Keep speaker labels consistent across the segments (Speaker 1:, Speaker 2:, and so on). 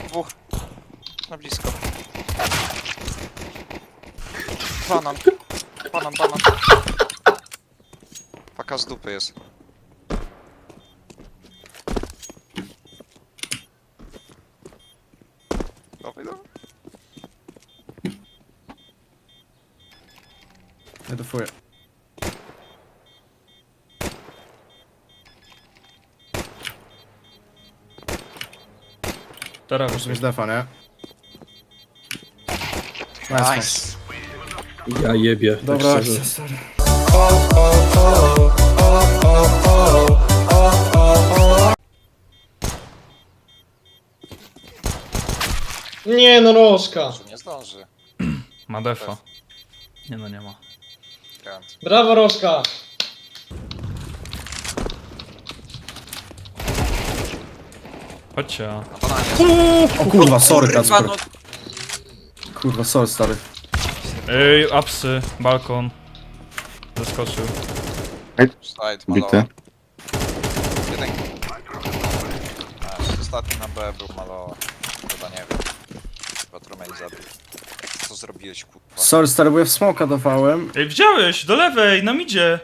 Speaker 1: dwóch. Na blisko. Banan. Banan. Paka z dupy jest. Dawaj.
Speaker 2: Nie defuję.
Speaker 3: Teraz
Speaker 2: Muszę mieć defa, nie? Nice.
Speaker 1: Nice.
Speaker 4: Ja jebie, tak
Speaker 2: Dobra,
Speaker 4: szczerze.
Speaker 2: akcja, sorry.
Speaker 5: Nie no, Rożka.
Speaker 1: Nie zdąży.
Speaker 3: ma defa. Nie no, nie ma.
Speaker 1: Grant.
Speaker 5: Brawo, Rożka.
Speaker 3: Chodźcie.
Speaker 1: Na bananie.
Speaker 2: O kurwa, sorry
Speaker 1: Kurwa,
Speaker 2: Kacper.
Speaker 1: no.
Speaker 2: Kurwa, sorry stary.
Speaker 3: Ej, apsy, balkon. Zaskoczył.
Speaker 1: Slide,
Speaker 6: Bity.
Speaker 1: malowa. Jeden. Ostatni na B był malowa. Chyba nie wiem. Chyba Trumej zabił. Co zrobiłeś, kurwa?
Speaker 2: Sorry stary, bo ja w smoka dawałem.
Speaker 3: Ej, widziałeś! Do lewej, nam idzie!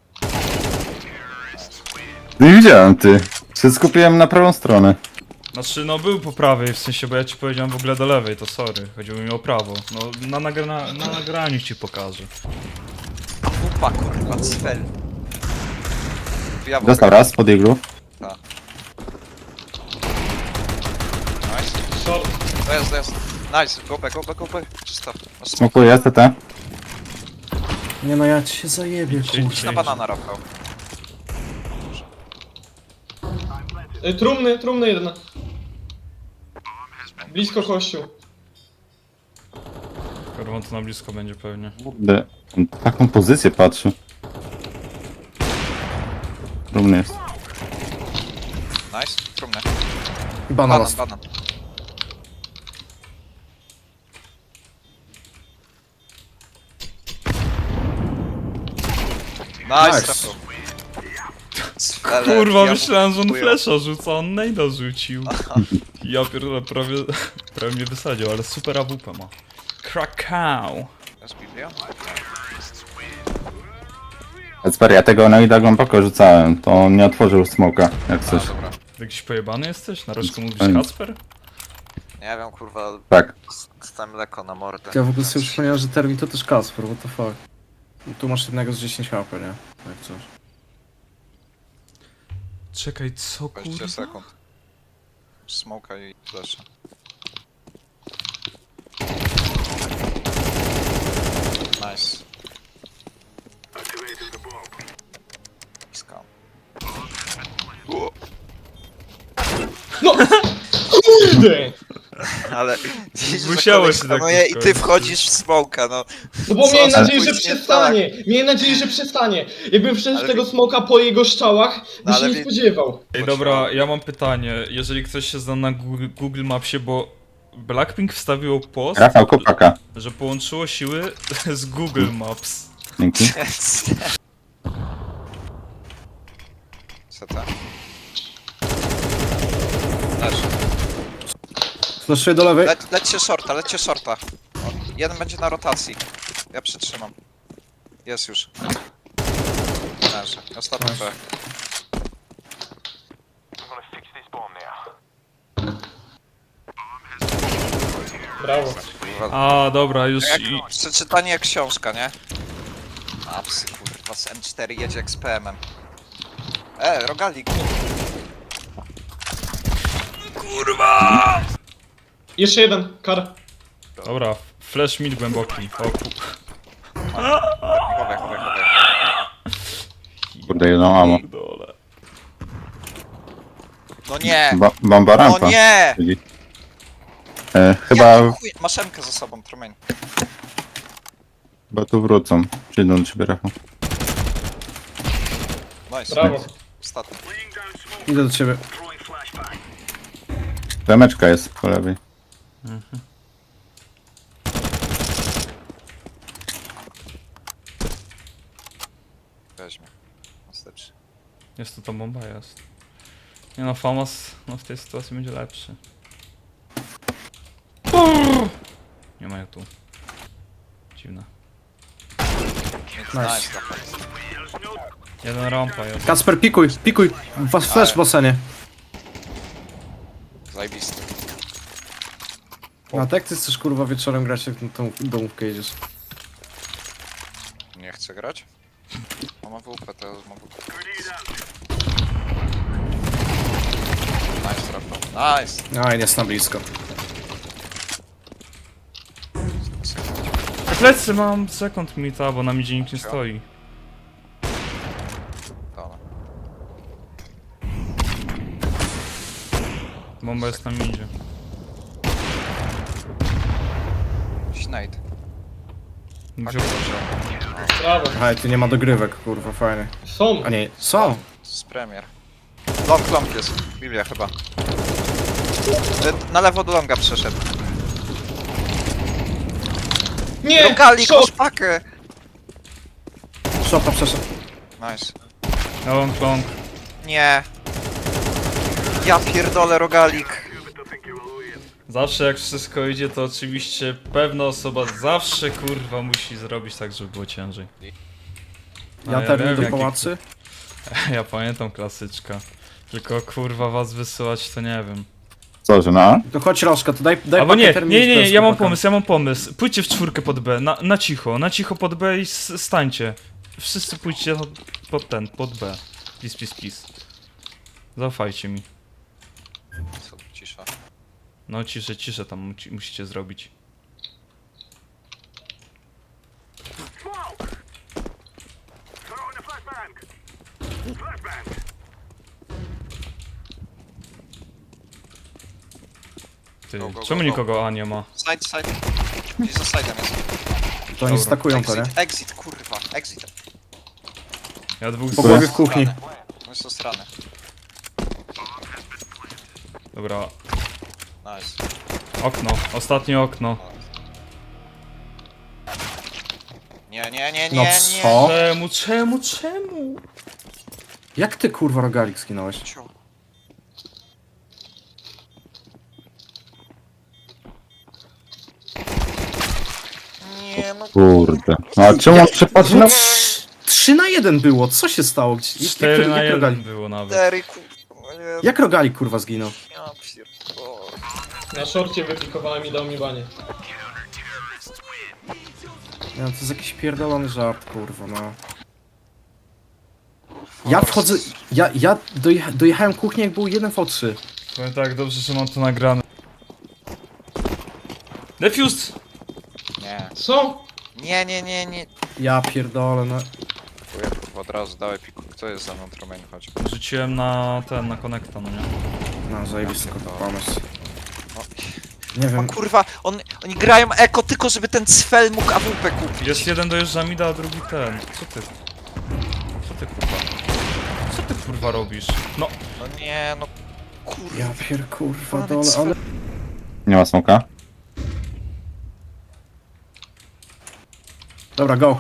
Speaker 6: Nie widziałem, ty. Się skupiłem na prawą stronę.
Speaker 3: Znaczy, no był po prawej, w sensie, bo ja ci powiedziałem w ogóle do lewej, to sorry. Chodziło mi o prawo. No, na nagraniu ci pokażę.
Speaker 1: Kupa, kurwa, cfel. Ja
Speaker 6: Dostał raz pod iglu.
Speaker 1: Nice.
Speaker 5: Short.
Speaker 1: To jest. Nice, go back. Czysto. No,
Speaker 6: Smokuję CT.
Speaker 2: Nie no, ja ci się zajebię,
Speaker 3: Idź
Speaker 2: kurwa.
Speaker 1: idź na banana, Rafał.
Speaker 5: Trumny jeden. Blisko kościół.
Speaker 3: Kurwa, to na blisko będzie pewnie.
Speaker 6: Kurde, on taką pozycję patrzy. Rumny jest.
Speaker 1: Nice, trumny.
Speaker 2: Banan.
Speaker 1: Banan. Nice,
Speaker 2: Nice.
Speaker 1: Rafał. Cfele,
Speaker 3: Kurwa,
Speaker 1: ja
Speaker 3: myślałem, że on
Speaker 1: kupuję.
Speaker 3: flesza rzuca, on nejda rzucił. Ja pierdolę, prawie mnie wysadził, ale super AWP ma. Krakau.
Speaker 1: Jest Biblia?
Speaker 6: Kacper, ja tego Noida głęboko rzucałem. To on nie otworzył smoka, jak
Speaker 1: A,
Speaker 6: coś.
Speaker 1: dobra.
Speaker 3: Jakiś pojebany jesteś? Na resztę mówisz
Speaker 6: Ej.
Speaker 3: Kacper?
Speaker 1: Nie wiem, kurwa,
Speaker 6: Tak.
Speaker 1: dostałem mleko na mordę.
Speaker 2: Ja w ogóle sobie przypomniałem, że Termin to też Kacper, what the fuck. I tu masz jednego z 10 HP, nie? Jak coś.
Speaker 3: Czekaj, co
Speaker 1: 20
Speaker 3: kurwa?
Speaker 1: sekund. Smoka i flasha. Nice. Skam.
Speaker 5: Kurde!
Speaker 1: Ale
Speaker 3: Musiałeś się tak
Speaker 1: i ty
Speaker 3: skończyć.
Speaker 1: wchodzisz w smoka, no.
Speaker 5: No bo
Speaker 1: Co
Speaker 5: miałem
Speaker 1: za
Speaker 5: nadzieję, że
Speaker 1: później,
Speaker 5: przestanie. Miałem nadzieję, że przestanie. Jakbym wszedł
Speaker 1: Ale-
Speaker 5: w tego smoka po jego szczałach, by
Speaker 1: No,
Speaker 5: się
Speaker 1: ale
Speaker 5: nie
Speaker 1: wi-
Speaker 5: spodziewał.
Speaker 3: Ej, dobra, ja mam pytanie. Jeżeli ktoś się zna na Google Mapsie, bo Blackpink wstawiło post,
Speaker 6: Rafał Kopaka.
Speaker 3: że połączyło siły z Google Maps.
Speaker 6: Dzięki.
Speaker 1: Co to? Leż.
Speaker 2: Flashuję do lewej.
Speaker 1: Lećcie shorta. O, jeden będzie na rotacji. Ja przytrzymam. Jest już. Leży. Ostatni B.
Speaker 5: Brawo.
Speaker 3: A, dobra, już
Speaker 1: Jak,
Speaker 3: i...
Speaker 1: przeczytanie jak książka, nie? A psy, kurwa, z M4 jedzie jak z PM-em. Rogalik.
Speaker 5: Jeszcze jeden, kar.
Speaker 3: Dobra, flash mid głęboki. O ku...
Speaker 1: Chowaj.
Speaker 6: Kurde, jedną amo.
Speaker 3: Dole.
Speaker 1: No nie!
Speaker 6: Bomba rampa.
Speaker 1: No nie!
Speaker 6: Czyli... chyba,
Speaker 1: Jaki chuj- Masz M-kę za sobą, Trumain.
Speaker 6: chyba tu wrócą. Przyjdą do ciebie, Rafał.
Speaker 1: Nice.
Speaker 5: Brawo.
Speaker 1: Ostatni.
Speaker 2: Idę do ciebie.
Speaker 6: Remeczka jest po lewej.
Speaker 1: Weźmie. Następny.
Speaker 3: Jest to bomba, jest. Nie no, Famas no, w tej sytuacji będzie lepszy. Trzymaj tu. Dziwne.
Speaker 1: Nice, nice.
Speaker 3: Jeden rampa jest.
Speaker 2: Kacper, pikuj, pikuj! Flash w basenie.
Speaker 1: Zajebisty.
Speaker 2: A tak ty chcesz kurwa wieczorem grać, jak na tą domówkę jedziesz.
Speaker 1: Nie chcę grać? Mam AWP, teraz mam AWP. Nice trapa. Nice!
Speaker 2: Aj, jest na blisko.
Speaker 3: Plecy mam sekund mita, bo na midzie nikt nie stoi.
Speaker 1: Dobra.
Speaker 3: Bomba jest na midzie.
Speaker 1: Snade.
Speaker 3: Wziął.
Speaker 5: Brawo.
Speaker 2: Aj, tu nie ma dogrywek, kurwa, fajnie.
Speaker 5: Są.
Speaker 2: A nie, są!
Speaker 1: Z premier. Long jest. Biblia chyba. Na lewo do longa przeszedł.
Speaker 5: Nie!
Speaker 1: Rogalik,
Speaker 5: Short.
Speaker 1: masz pakę!
Speaker 2: Szopa przeszedł.
Speaker 1: Nice.
Speaker 3: Long.
Speaker 1: Nie. Ja pierdolę rogalik.
Speaker 3: Zawsze jak wszystko idzie, to oczywiście pewna osoba zawsze kurwa musi zrobić tak, żeby było ciężej. No,
Speaker 2: Ja termin
Speaker 3: wiem,
Speaker 2: do
Speaker 3: jaki-
Speaker 2: pałacy.
Speaker 3: Ja pamiętam klasyczka. Tylko kurwa was wysyłać to nie wiem.
Speaker 6: Co, że na?
Speaker 2: To chodź Rożka, to daj
Speaker 3: Albo
Speaker 2: pakę
Speaker 3: nie,
Speaker 2: termin
Speaker 3: nie,
Speaker 2: z
Speaker 3: ja mam
Speaker 2: chłopakami.
Speaker 3: pomysł. Pójdźcie w czwórkę pod B, na cicho pod B i stańcie. Wszyscy pójdźcie pod B. Peace. Zaufajcie mi.
Speaker 1: Co tu cisza?
Speaker 3: No ciszę tam musicie zrobić. Ty,
Speaker 1: Go, go,
Speaker 3: czemu
Speaker 1: go, go.
Speaker 3: nikogo A nie ma?
Speaker 1: Side. Gdzieś za side'em jest.
Speaker 2: To oni
Speaker 3: Dobra.
Speaker 2: stakują to, nie?
Speaker 1: Exit, kurwa. Exit.
Speaker 3: Ja dwóch
Speaker 2: Po głowie w kuchni.
Speaker 1: No jest to strony.
Speaker 3: Dobra,
Speaker 1: Nice.
Speaker 3: okno, ostatnie okno.
Speaker 1: Nie.
Speaker 2: No co?
Speaker 3: Czemu?
Speaker 2: Jak ty kurwa rogalik skinąłeś?
Speaker 1: Ciu. Nie no.
Speaker 6: Kurde. No a czemu on przypadł na...
Speaker 2: 3 na 1 było, co się stało?
Speaker 3: 4 na 1
Speaker 2: rogalik,
Speaker 3: było nawet.
Speaker 1: Derek, kurwa. Nie,
Speaker 2: jak rogalik kurwa zginął?
Speaker 1: ja pierdolę.
Speaker 5: Na szorcie wypikowałem i dał mi banie.
Speaker 2: Nie, no to jest jakiś pierdolony żart, kurwa, no. Ja wchodzę, ja dojechałem kuchnię jak był 1v3.
Speaker 3: Powiem tak, dobrze, że mam to nagrane. Defused!
Speaker 1: Nie.
Speaker 5: Co?
Speaker 1: Nie.
Speaker 2: Ja pierdolę, no.
Speaker 1: Dziękuję, kurwa, od razu dałeś piku. Kto jest za mną, Tromień, chodź.
Speaker 3: Rzuciłem na konekta, no nie?
Speaker 2: No, zajebisty pomysł.
Speaker 1: No.
Speaker 2: Nie
Speaker 1: O
Speaker 2: wiem,
Speaker 1: kurwa, oni grają eko tylko, żeby ten cfel mógł AWP kupić.
Speaker 3: Jest jeden dojeżdża mida, a drugi ten. Co ty kurwa? Co ty kurwa robisz? No,
Speaker 1: No nie, no kurwa.
Speaker 2: ja kurwa
Speaker 1: Ale
Speaker 2: dole,
Speaker 1: cfel.
Speaker 2: ale...
Speaker 6: Nie ma smoka?
Speaker 2: Dobra, go.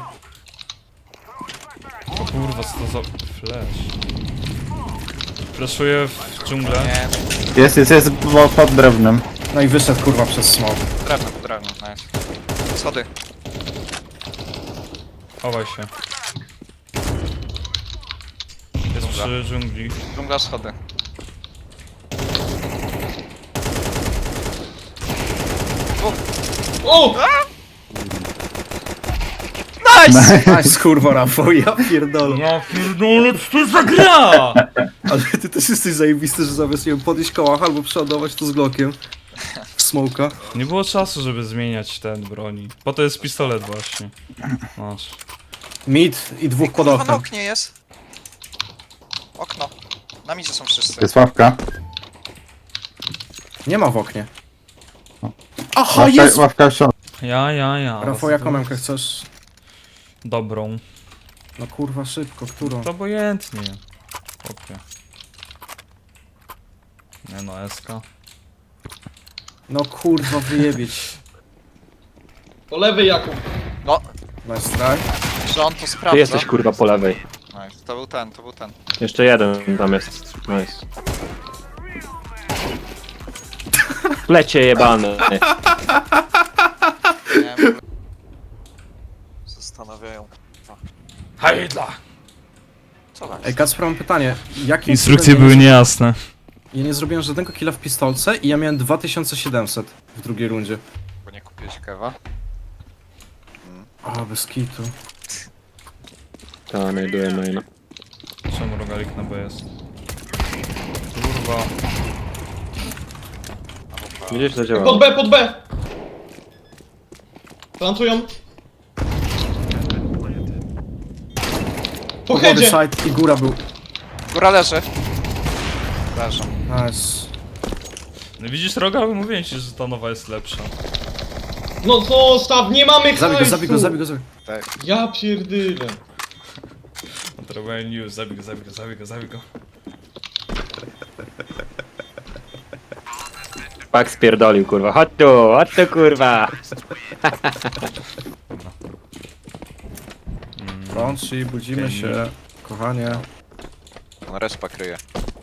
Speaker 3: o kurwa, co to za flash? Flashuję w dżunglę.
Speaker 1: Nie,
Speaker 6: Jest pod drewnem.
Speaker 2: No i wyszedł kurwa przez smok.
Speaker 1: drewno, nice. Schody.
Speaker 3: Chowaj się. Jest przy dżungli.
Speaker 1: Dżungla, schody.
Speaker 5: O!
Speaker 1: Nice!
Speaker 2: Nice kurwa Rafał, ja pierdolę.
Speaker 3: No pierdolę, co to za gra?
Speaker 2: Ale ty też jesteś zajebisty, że zamiast, nie wiem, podejść kołach albo przeładować to z Glockiem. W smoka.
Speaker 3: Nie było czasu, żeby zmieniać ten broni. Po to jest pistolet właśnie. Masz.
Speaker 2: Mid i dwóch pod
Speaker 1: Kurwa, na
Speaker 2: oknem.
Speaker 1: oknie jest. Okno. Na midzie są wszyscy.
Speaker 6: Jest ławka.
Speaker 2: Nie ma w oknie. Aha, jest!
Speaker 6: Ławka w środku.
Speaker 3: Ja.
Speaker 2: Rafał, jaką memkę chcesz?
Speaker 3: Dobrą.
Speaker 2: No kurwa, szybko, którą?
Speaker 3: To obojętnie. Chłopie. Nie no, SK.
Speaker 2: No kurwa, wyjebieć.
Speaker 5: Po lewej Jakub.
Speaker 1: No,
Speaker 2: Nice try.
Speaker 1: że on to sprawdza.
Speaker 4: Ty jesteś kurwa po lewej.
Speaker 1: Nice. To był ten.
Speaker 4: Jeszcze jeden tam jest. Nice. Plecie jebane.
Speaker 3: Heidla!
Speaker 1: Co tam?
Speaker 2: Ej, Kacper, mam pytanie. Jakim
Speaker 3: Instrukcje
Speaker 2: cudem
Speaker 3: były niejasne.
Speaker 2: Ja nie zrobiłem żadnego killa w pistolce i ja miałem 2700 w drugiej rundzie.
Speaker 1: Bo nie kupiłeś kewa?
Speaker 2: A, bez kitu.
Speaker 4: Ta, znajduję maina.
Speaker 3: Czemu rogalik na B jest? Kurwa.
Speaker 4: Widzisz, to działa.
Speaker 5: Pod B, pod B! Plantują. Po
Speaker 2: Body
Speaker 5: headzie!
Speaker 2: side i góra był.
Speaker 1: Góra leży. Leżą.
Speaker 2: Nice.
Speaker 3: No widzisz rogal? Mówiłem ci, że ta nowa jest lepsza.
Speaker 5: No zostaw, nie mamy
Speaker 2: Zabij go,
Speaker 5: hajsu!
Speaker 2: zabij go, zabij go, zabij go.
Speaker 5: Ja pierdylę.
Speaker 3: No to robiłem news, zabij go.
Speaker 4: Pak spierdolił, kurwa. Chodź tu, kurwa.
Speaker 2: Rączy, budzimy się. Kochanie.
Speaker 1: On respa kryje.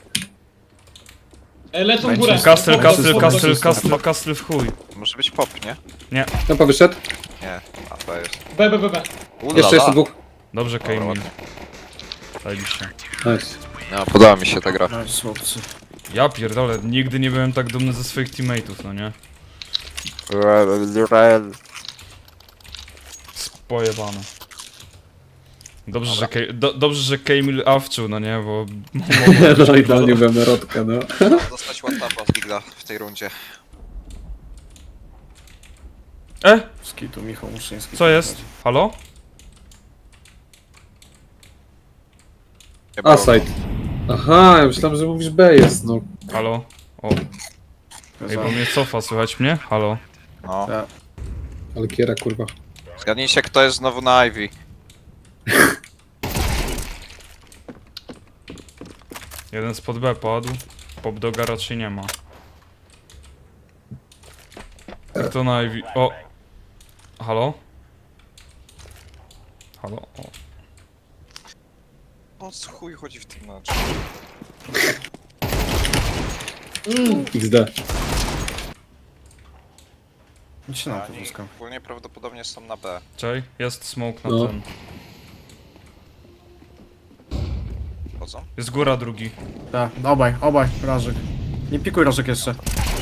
Speaker 5: Lecą w
Speaker 2: Będzie
Speaker 5: górę.
Speaker 3: Kastel w chuj.
Speaker 1: Może być pop, nie?
Speaker 7: Tampa wyszedł.
Speaker 1: Nie. A to jest.
Speaker 5: B, B, B, B.
Speaker 7: Jeszcze jest dwóch.
Speaker 3: Dobrze, Kejmil. Zajebiście.
Speaker 7: Nice.
Speaker 1: No, podoba mi się ta gra.
Speaker 2: Nice, chłopcy.
Speaker 3: Ja pierdolę, nigdy nie byłem tak dumny ze swoich teammateów, no nie? Spojebane. Dobrze, że Kejmil awczył, no nie, bo...
Speaker 7: No idealnie byłem na rodkę, no.
Speaker 1: Dostać one tapa z Digla w tej rundzie.
Speaker 2: Z kitu, Michał Muszyński.
Speaker 3: Co jest? Halo?
Speaker 1: Nie
Speaker 7: A,
Speaker 1: było.
Speaker 7: side. Aha, ja myślałem, że mówisz B jest, no.
Speaker 3: Halo? O, ej, bo mnie cofa, słychać mnie? Halo?
Speaker 1: No.
Speaker 7: Ale kiera, kurwa.
Speaker 1: Zgadnijcie, kto jest znowu na Ivy.
Speaker 3: Jeden spod B padł. Pop doga raczej nie ma. Kto na Ivy? O! Halo? Halo? O.
Speaker 1: O co chuj chodzi w tym meczu?
Speaker 7: XD.
Speaker 2: Idź na to,
Speaker 1: Oni
Speaker 2: wózka.
Speaker 1: ogólnie prawdopodobnie są na B.
Speaker 3: Czej? Jest smoke na
Speaker 7: No.
Speaker 3: ten.
Speaker 1: Chodzą?
Speaker 3: Jest góra drugi.
Speaker 2: Tak, obaj, Rażek. Nie pikuj Rażek jeszcze.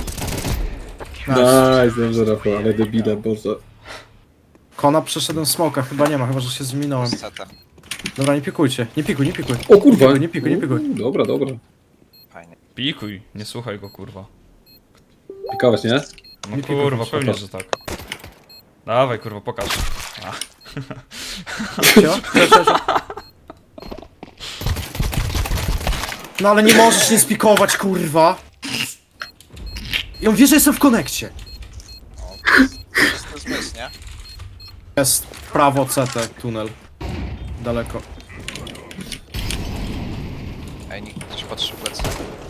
Speaker 2: Nice.
Speaker 7: Nice, dobrze, Rafał, ale debile, boże.
Speaker 2: Kona przeszedłem smoka, chyba nie ma, chyba że się zminąłem.
Speaker 1: Z CT.
Speaker 2: Dobra, nie pikujcie, nie pikuj.
Speaker 7: O kurwa!
Speaker 2: Nie pikuj.
Speaker 7: Dobra, dobra.
Speaker 1: Fajnie.
Speaker 3: Pikuj, nie słuchaj go, kurwa.
Speaker 7: Pikałeś, nie?
Speaker 3: No
Speaker 2: Nie pikuj,
Speaker 3: kurwa,
Speaker 2: kurwa.
Speaker 3: pewnie, że tak. Dawaj, kurwa, pokaż. A.
Speaker 2: Cio? No ale nie możesz nie spikować, kurwa! I on wie, że jestem w konekcie.
Speaker 1: To jest zmysł, nie?
Speaker 2: Jest prawo CT, tunel. Daleko.
Speaker 1: Ej, nikt ktoś patrzy w plecy.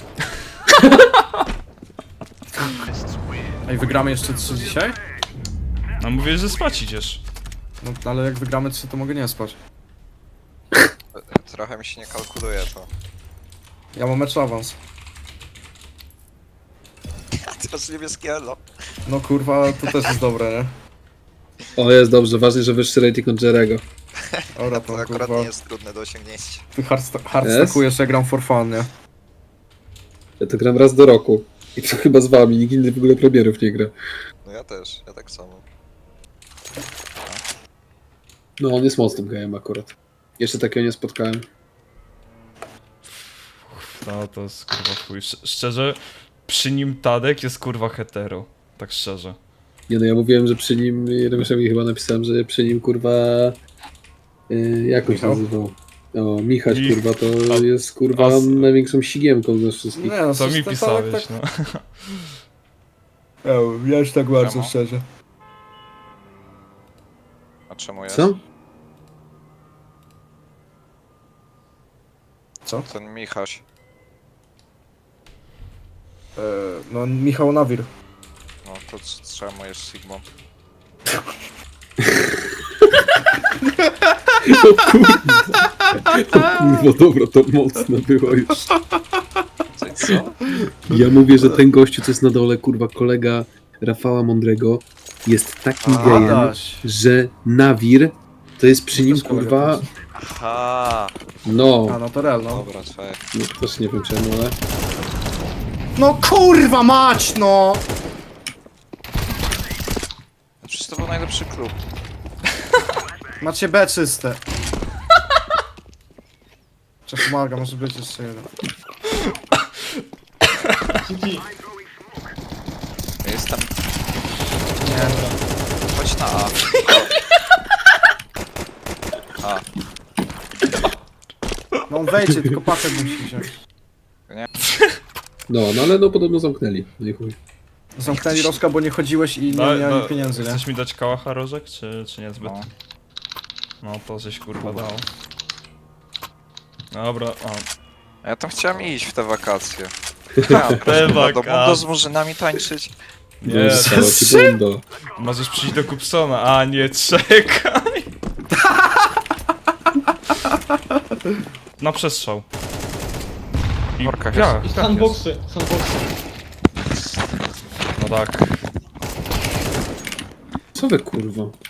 Speaker 2: Ej, wygramy jeszcze 3 dzisiaj?
Speaker 3: No mówię, że spać idziesz.
Speaker 2: No ale jak wygramy 3, to mogę nie spać.
Speaker 1: Trochę mi się nie kalkuluje to.
Speaker 2: Ja mam mecz awans.
Speaker 1: Teraz niebieskie elo.
Speaker 2: No kurwa, to też jest dobre, nie?
Speaker 7: O, jest dobrze, ważne, że wyższy rating od Jerego.
Speaker 2: Dobra,
Speaker 1: To
Speaker 2: to
Speaker 1: akurat
Speaker 2: kurwa.
Speaker 1: nie jest trudne do osiągnięcia.
Speaker 2: Ty hardstackujesz, ja gram for fun, nie?
Speaker 7: Ja to gram raz do roku. I to chyba z wami, nikt inny w ogóle premierów nie gra.
Speaker 1: No ja też, ja tak samo.
Speaker 7: No, on jest mocnym gejem akurat. Jeszcze takiego nie spotkałem.
Speaker 3: No to jest kurwa chuj. Szczerze, przy nim Tadek jest kurwa hetero. Tak szczerze.
Speaker 7: Nie no, ja mówiłem, że przy nim, Remuszowi chyba napisałem, że przy nim kurwa... jak on się
Speaker 2: Michał?
Speaker 7: nazywał? O, Michać
Speaker 3: Ich-
Speaker 7: kurwa, to
Speaker 3: a-
Speaker 7: jest kurwa
Speaker 3: a-
Speaker 7: największą sigiemką z nas wszystkich.
Speaker 2: Nie, no
Speaker 3: Co mi
Speaker 2: to
Speaker 3: pisałeś, no.
Speaker 2: Ja już tak bardzo
Speaker 1: Czemu?
Speaker 2: szczerze.
Speaker 1: A czemu jest?
Speaker 7: Co?
Speaker 2: Co?
Speaker 1: Ten Michaś.
Speaker 2: No Michał Nawir.
Speaker 1: No to czemu jest Sigmą?
Speaker 7: Kurwa, dobra, to mocne było już.
Speaker 1: Co?
Speaker 7: Ja mówię, że ten gościu, co jest na dole, kurwa, kolega Rafała Mądrego, jest takim gejem,
Speaker 2: Adaś.
Speaker 7: że Nawir to jest przy nim,
Speaker 2: Też kolega
Speaker 7: kurwa,
Speaker 1: Aha,
Speaker 7: No,
Speaker 2: A, no to real, no.
Speaker 1: dobra, twoje.
Speaker 7: no też nie wiem czemu, ale...
Speaker 2: No kurwa mać, no!
Speaker 1: Przecież to był najlepszy klub.
Speaker 2: Macie B czyste. Czy pomaga, może być jeszcze jeden.
Speaker 5: City.
Speaker 1: Ja jestem...
Speaker 2: Nie.
Speaker 1: Chodź na A. A,
Speaker 2: No on wejdzie, tylko pakę musi wziąć.
Speaker 7: No, no ale no podobno zamknęli. No i chuj.
Speaker 2: Zamknęli Rożka, bo nie chodziłeś i nie miałem pieniędzy, nie?
Speaker 3: Chcesz mi dać kałacha rożek, czy niezbyt?
Speaker 1: no.
Speaker 3: No to żeś kurwa dał. Dobra, o.
Speaker 1: Ja tam chciałem iść w te wakacje.
Speaker 3: Te
Speaker 1: Do
Speaker 3: wakacje.
Speaker 1: Mundo z murzynami tańczyć.
Speaker 3: Nie,
Speaker 7: Zostało ci bundo.
Speaker 3: możesz przyjść do Kupsona, a nie, czekaj. Na przestrzał. I
Speaker 1: Workach
Speaker 3: ja,
Speaker 1: jest.
Speaker 3: i tak jest.
Speaker 5: Sandboxy. Sandboxy.
Speaker 3: No tak.
Speaker 7: Co wy kurwa?